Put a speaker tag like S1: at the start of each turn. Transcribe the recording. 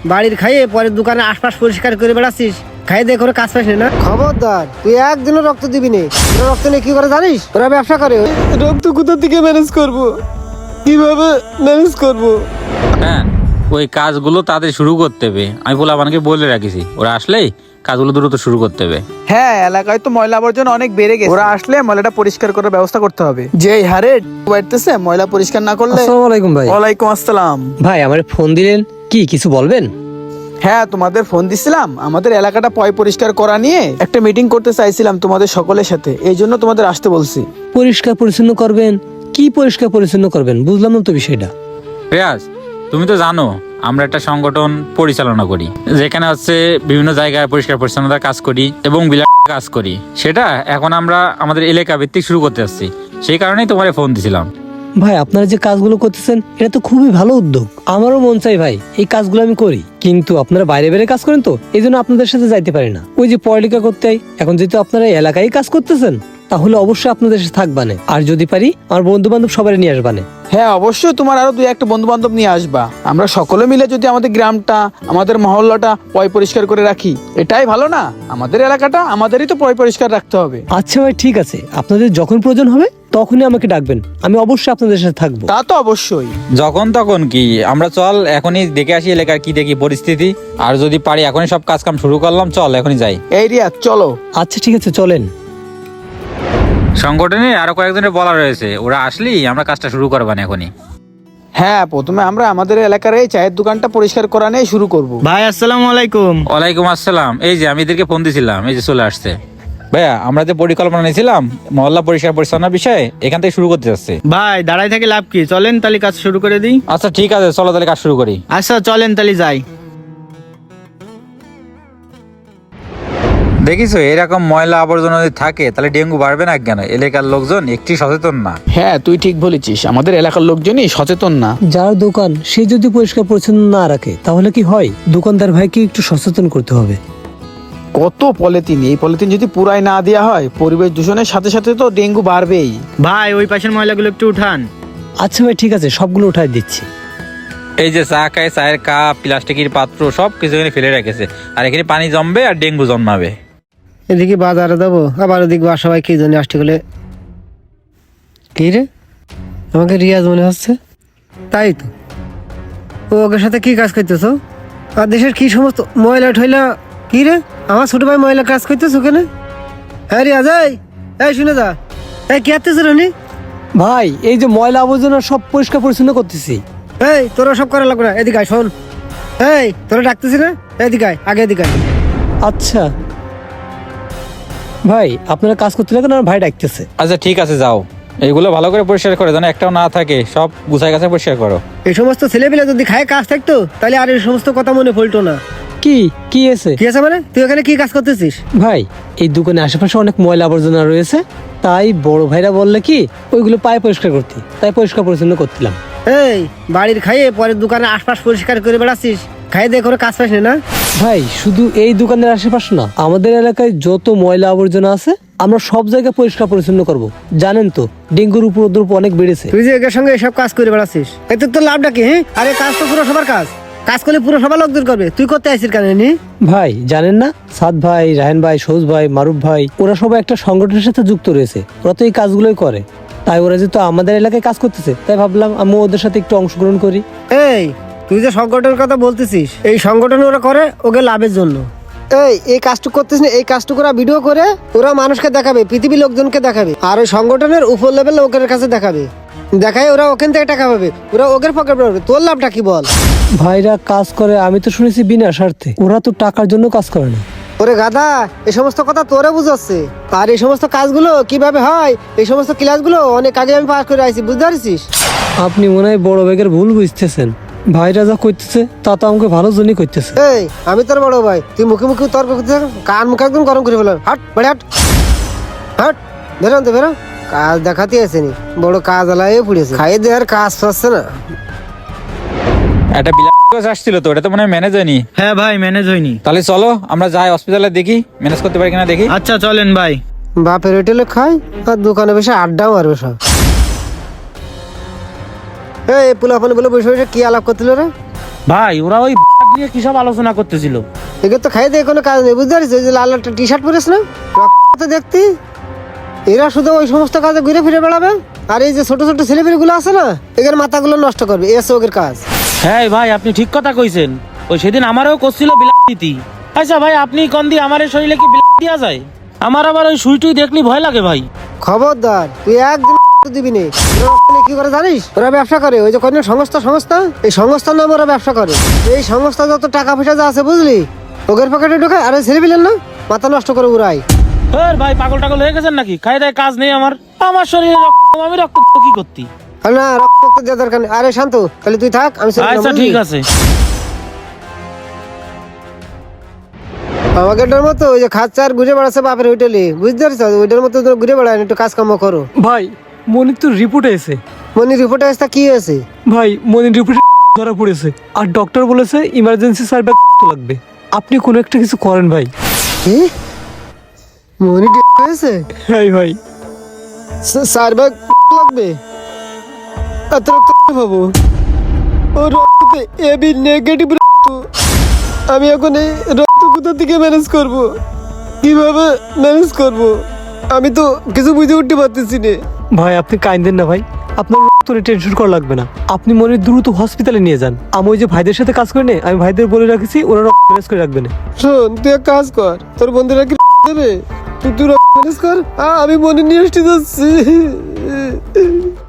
S1: বাড়ির খাইয়ে পরে দোকানের আশপাশ পরিষ্কার করে বেড়াচ্ছিস, খাইয়ে দিয়ে করে কাজ পাস না। খবরদার, তুই একদিনও রক্ত দিবি না। তোরা রক্ত নিয়ে কি করে জানিস? ওরা ব্যবসা করে। রক্ত কোথা থেকে ম্যানেজ করব, কিভাবে ম্যানেজ করব?
S2: হ্যাঁ, ওই কাজগুলো তাদের শুরু করতে হবে। আমি পোলাপানকে বলে রাখিছি, ওরা আসলেই কাজগুলো দ্রুত শুরু করতে হবে।
S3: হ্যাঁ, এলাকায় তো ময়লা আবর্জনা অনেক বেড়ে গেছে। ওরা আসলে ময়লাটা পরিষ্কার করার ব্যবস্থা করতে হবে। যে এই হারে বাড়তেছে, ময়লা পরিষ্কার না করলে।
S4: আসসালামু আলাইকুম ভাই।
S3: ওয়ালাইকুম আসসালাম।
S4: ভাই আমার ফোন দিলেন, কি কিছু বলবেন?
S3: হ্যাঁ, তোমাদের ফোন দিছিলাম, আমাদের এলাকাটা পরিষ্কার করা নিয়ে একটা মিটিং করতে চাইছিলাম তোমাদের সকলের সাথে, এই জন্য তোমাদের আসতে বলছি।
S4: পরিষ্কার পরিচ্ছন্ন করবেন? কি পরিষ্কার পরিচ্ছন্ন করবেন বুঝলাম না তো বিষয়টা।
S2: রিয়াজ, তুমি তো জানো আমরা একটা সংগঠন পরিচালনা করি, যেখানে হচ্ছে বিভিন্ন জায়গায় পরিষ্কার পরিচ্ছন্নতার কাজ করি এবং বিলাস কাজ করি। সেটা এখন আমরা আমাদের এলাকা ভিত্তিক শুরু করতে যাচ্ছি, সেই কারণেই তোমার ফোন দিছিলাম।
S4: ভাই আপনারা যে কাজগুলো করতেছেন এটা তো খুবই ভালো উদ্যোগ, আমারও মন চাই ভাই এই কাজগুলো আমি করি, কিন্তু আপনারা বাইরে বাইরে কাজ করেন তো এই জন্য আপনাদের সাথে যাইতে পারি না। ওই যে পড়ালেখা করতে হয়, এখন যেহেতু আপনারা এলাকায় কাজ করতেছেন তাহলে অবশ্যই আপনাদের সাথে থাকবানে, আর যদি পারি আমার বন্ধু বান্ধব সবাই নিয়ে আসবানে।
S3: হ্যাঁ অবশ্যই, তোমার আরো দুই একটা বন্ধু বান্ধব নিয়ে আসবা। আমরা সকলে মিলে যদি আমাদের গ্রামটা, আমাদের মহল্লাটা পরিষ্কার করে রাখি, এটাই ভালো না? আমাদের এলাকাটা আমাদেরই তো পরিষ্কার রাখতে হবে।
S4: আচ্ছা ভাই ঠিক আছে, আপনাদের যখন প্রয়োজন হবে তখনই আমাকে ডাকবেন, আমি অবশ্যই আপনাদের সাথে থাকবো।
S3: তা তো অবশ্যই।
S2: যখন তখন কি, আমরা চল এখনই দেখে আসি এলাকার কি দেখি পরিস্থিতি, আর যদি পারি এখনই সব কাজ কাম শুরু করলাম। চল এখনই যাই।
S3: এই রিয়াজ চলো।
S4: আচ্ছা ঠিক আছে চলেন।
S2: সংগঠনে আরো কয়েকজনের বলা রয়েছে, ওরা আসলেই আমরা কাজটা শুরু করবান এখনই।
S3: হ্যাঁ, প্রথমে আমরা আমাদের এলাকার এই চায়ের দোকানটা পরিষ্কার করা নিয়ে শুরু করব।
S5: ভাই আসসালামু আলাইকুম।
S2: ওয়ালাইকুম আসসালাম। এই যে আমি এদেরকে ফোন দিছিলাম, এই যে চলে আসছে। ভাইয়া, আমরা যে পরিকল্পনা নিয়েছিলাম মহল্লা পরিষ্কার পরিচ্ছন্নতার বিষয়ে, এখান থেকে শুরু করতে যাচ্ছি।
S5: ভাই দাঁড়াই থেকে লাভ কি, চলেন তাহলে কাজ শুরু করে দিই।
S2: আচ্ছা ঠিক আছে, চলো তাহলে কাজ শুরু করি।
S5: আচ্ছা চলেন তাহলে যাই।
S2: দেখিছো এরকম ময়লা আবর্জনা যদি থাকে তাহলে ডেঙ্গু বাড়বে না কেন? এলাকার লোকজন একটি সচেতন না।
S3: হ্যাঁ, তুই ঠিক বলেছিস, আমাদের এলাকার লোকজনই সচেতন না।
S4: যার দোকান সে যদি পরিষ্কার পরিচ্ছন্ন না রাখে তাহলে কি হয়? দোকানদার ভাইকে একটু সচেতন করতে হবে।
S3: কত পলিথিন, এই পলিথিন যদি পুরাই না দেওয়া হয়, পরিবেশ দূষণের সাথে সাথে তো ডেঙ্গু বাড়বেই।
S5: ভাই ওই পাশের ময়লাগুলো একটু উঠান।
S4: আচ্ছা ভাই ঠিক আছে, সবগুলো উঠাই দিচ্ছি।
S2: এই যে চা খায়, চায়ের কাপ, প্লাস্টিকের পাত্র সব কিছু এখানে ফেলে রেখেছে, আর এখানে পানি জমবে আর ডেঙ্গু জন্মাবে।
S1: এদিকে বাজারে দেবো, আবার ওদিকে বাসা কি জন্য আসতে গেলে। কি রে, আমাকে রিয়াজ মনে হচ্ছে। তাই তো, ও ওকে সাথে কি কাজ করতেছো? আর দেশের কি সমস্ত ময়লা ঠয়লা। কি রে, আমার ছোট ভাই ময়লা কাজ করতেছো কেন? হ্যাঁ রিয়াজ, এই শুনে যা, এই কি আসতেছ রানি?
S4: ভাই এই যে ময়লা আবর্জনা সব পরিষ্কার পরিচ্ছন্ন করতেছি।
S1: এই তোরা সব করা লাগবে না, এদিকে আয় শোন। এই তোরা ডাকতেছি না, এদিকে আয়, আগে এদিকে আয়।
S4: আচ্ছা ভাই আপনারা কাজ করতে লাগেন, আর ভাই ডাকতেছে।
S2: আচ্ছা ঠিক আছে, যাও এইগুলো ভালো করে পরিষ্কার করে, যেন একটাও না থাকে, সব গুছাই গাছে পরিষ্কার করো।
S1: এই সমস্ত ছেলেপিলে যদি খায় কাজ থাকতো তাহলে আর এই সমস্ত কথা মনে পড়তো না।
S4: কি কি আছে?
S1: কি আছে মানে? তুই এখানে কি কাজ করতেছিস?
S4: ভাই এই দোকানের আশেপাশে অনেক ময়লা আবর্জনা রয়েছে, তাই বড় ভাইরা বললে কি ওইগুলো পায়ে পরিষ্কার করতে, তাই পরিষ্কার পরিচ্ছন্ন করছিলাম।
S1: এই বাড়ির খাইয়ে পরে দোকানের আশপাশ পরিষ্কার করে বেড়াচ্ছিস, খাইয়ে দিয়ে করে কাজ পাস না।
S4: ভাই শুধু এই দোকানের আশেপাশে না, আমাদের এলাকায় যত ময়লা আবর্জনা আছে আমরা সব জায়গায় পরিষ্কার পরিচ্ছন্ন করব। জানেন তো ডেঙ্গুর উপদ্রব অনেক বেড়েছে।
S1: তুই যে এর সঙ্গে এসব কাজ করে বেড়াচ্ছিস, এতে তোর লাভটা কি? হ্যাঁ, আরে কাজ তো পুরো সবার কাজ, কাজ করলে পুরো সবার লোকদের করবে, তুই করতে আসিস কেন?
S4: ভাই জানেন না, সাদ ভাই, রাহেন ভাই, সৌজ ভাই, মারুফ ভাই, ওরা সবাই একটা সংগঠনের সাথে যুক্ত রয়েছে, ওরা তো এই কাজগুলোই করে। তাই ওরা যেহেতু আমাদের এলাকায় কাজ করতেছে, তাই ভাবলাম আমি ওদের সাথে একটু অংশগ্রহণ করি।
S1: এই তুই যে সংগঠনের কথা বলতেছিস, এই সংগঠন ওরা করে ওকে লাভের জন্য। এই কাজটুকু করতেছিস না, এই কাজটুকু ওরা ভিডিও করে ওরা মানুষকে দেখাবে, পৃথিবীর লোকজনকে দেখাবে, আর ওই সংগঠনের উপর লেভেল লোকের কাছে দেখাবে, দেখায় ওরা ওখান থেকে টাকা পাবে, ওরা ওদের পকেট পাবে। তোর লাভটা কি বল?
S4: ভাইরা কাজ করে আমি তো শুনেছি বিনা স্বার্থে, ওরা তো টাকার জন্য কাজ করে না।
S1: ওরে গাধা, এই সমস্ত কথা তোরে বুঝাচ্ছে। আর এই সমস্ত কাজগুলো কিভাবে হয়, এই সমস্ত ক্লাসগুলো অনেক আগে আমি পাস করে আইছি, বুঝতে পারছিস?
S4: আপনি মনে হয় বড় বেগের ভুল বুঝতেছেন। ভাইরা যা করতেছে তা তো আমাকে ভালো জন্যই করতেছে।
S1: এই আমি তোর বড় ভাই, তুই মুখে মুখে তর্ক করতে থাক, কান মুখ একদম গরম করে ফেলাম। হাট বাড়ি হাট, হাট বেরো তো বেরো, কাজ দেখাতে আসেনি, বড় কাজ আলায় পড়েছে, খাইয়ে দেওয়ার কাজ পাচ্ছে না।
S2: একটা বিলাস আসছিল তো, ওটা তো মনে হয় ম্যানেজ হয়নি।
S5: হ্যাঁ ভাই ম্যানেজ হয়নি।
S2: তাহলে চলো আমরা যাই হসপিটালে, দেখি ম্যানেজ করতে পারি কিনা দেখি।
S5: আচ্ছা চলেন ভাই।
S1: বাপের হোটেলে খাই আর দোকানে বসে আড্ডা মারবে সব। এই পোলাপানি বলে বসে বসে কি আলাপ করছিল রে?
S6: ভাই ওরা ওই নিয়ে কি সব আলোচনা করতেছিল।
S1: এগুলো তো খাই দিয়ে কোনো কাজ নেই, বুঝতে পারিস? ওই যে লাল একটা টি শার্ট পরিস না, রক্ত তো দেখতি। এরা শুধু ওই সমস্ত কাজে ঘুরে ফিরে বেড়াবে, আর এই যে ছোট ছোট ছেলেমেয়েগুলো আছে না, এদের মাথাগুলো নষ্ট করবে, এই আছে ওদের কাজ।
S6: হ্যাঁ ভাই আপনি ঠিক কথা কইছেন, ওই সেদিন আমারও করছিল বিলাতি। আচ্ছা ভাই আপনি কোন দিয়ে আমার শরীরে কি বিলাতি দেওয়া যায়? আমার আবার ওই সুইটুই দেখলি ভয় লাগে ভাই।
S1: খবরদার, তুই একদিন দিবি নে। ওরা কি করে জানিস? ওরা ব্যবসা করে, ওই যে কোন সংস্থা, এই সংস্থার নামে ওরা ব্যবসা করে। এই সংস্থা যত টাকা পয়সা যা আছে বুঝলি, ওদের পকেটে ঢোকায়, আর ছেলে পেলেন না মাথা নষ্ট করে উড়াই।
S6: ভাই পাগল টাগল হয়ে গেছেন নাকি? খাই দায় কাজ নেই আমার শরীরে আমি রক্ত কি করতি?
S1: না, রক্ত দেওয়ার দরকার নেই। আরে শান্ত, তাহলে তুই থাক, আমি চলে গেলাম,
S6: আচ্ছা
S1: বুঝলি?
S6: ঠিক আছে।
S1: আমাকে এটার মতো ওই যে খাচ্চার ঘুরে বেড়াচ্ছে বাপের হোটেলে, বুঝতে পারছো? ওইটার মতো তোরা ঘুরে বেড়ায় না, একটু কাজকর্ম করো।
S4: ভাই মনির তো রিপোর্ট এসে,
S1: মনি রিপোর্টে আসতে কি হয়েছে?
S4: ভাই মনির রিপোর্টে ধরা পড়েছে, আর ডক্টর বলেছে ইমার্জেন্সি সার্ভিস লাগবে। আপনি কোনো একটা কিছু করেন ভাই।
S1: কি মনি হয়েছে?
S4: হ্যাঁ ভাই।
S1: চার ব্যাগ লাগবে? এত রক্ত পাবো? ও রক্তে এবি নেগেটিভ রক্ত। আমি এখন এই রক্ত কোথা থেকে ম্যানেজ করব? কিভাবে ম্যানেজ করব? আমি তো কিছু বুঝে উঠতে পারতেছি না।
S4: ভাই আপনি কাইন্দেন না ভাই, আপনার রক্ত নিয়ে টেনশন করা লাগবে না। আপনি মনির দ্রুত হসপিটালে নিয়ে যান। আমি ওই যে ভাইদের সাথে কাজ করে নে, আমি ভাইদের বলে রাখছি, ওরা রক্ত ম্যানেজ করে রাখবে না।
S1: শোন, তুই এক কাজ কর, তোর বন্ধুরা কি দেবে, তুই ম্যানেজ কর, আমি মনে নিয়ে আসতে যাচ্ছি।